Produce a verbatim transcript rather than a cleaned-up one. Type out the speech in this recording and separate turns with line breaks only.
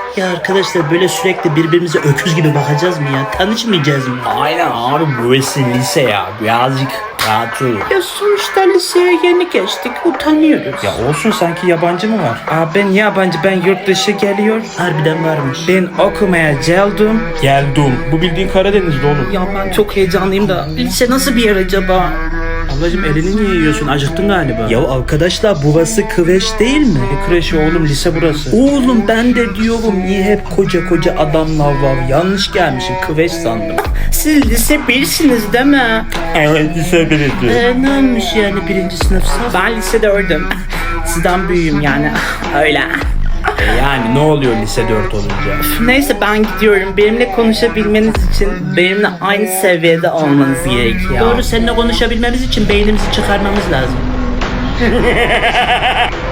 Ya arkadaşlar böyle sürekli birbirimize öküz gibi bakacağız mı ya? Tanışmayacağız mı?
Aynen abi, burası lise ya. Birazcık rahat ol.
Ya sonuçta liseye yeni geçtik, utanıyoruz.
Ya olsun, sanki yabancı mı var? Aa, ben yabancı, ben yurt dışı geliyor.
Harbiden varmış.
Ben okumaya geldim. Geldim. Bu bildiğin Karadeniz'de oğlum.
Ya ben çok heyecanlıyım da lise nasıl bir yer acaba?
Ablacım, elini niye yiyorsun? Acıktın galiba.
Ya arkadaşlar burası kreş değil mi?
Ne kreşi oğlum, lise burası.
Oğlum ben de diyorum niye hep koca koca adamlar var? Yanlış gelmişim, kreş sandım. Siz lise birsiniz değil mi?
Evet, lise birisi.
Ee, ne olmuş yani birinci sınıfsa? Ben lise dördüm. Sizden büyüğüm yani. Öyle.
E yani ne oluyor lise dört olunca?
Neyse ben gidiyorum. Benimle konuşabilmeniz için benimle aynı seviyede olmanız gerekiyor. Doğru, seninle konuşabilmemiz için beynimizi çıkarmamız lazım.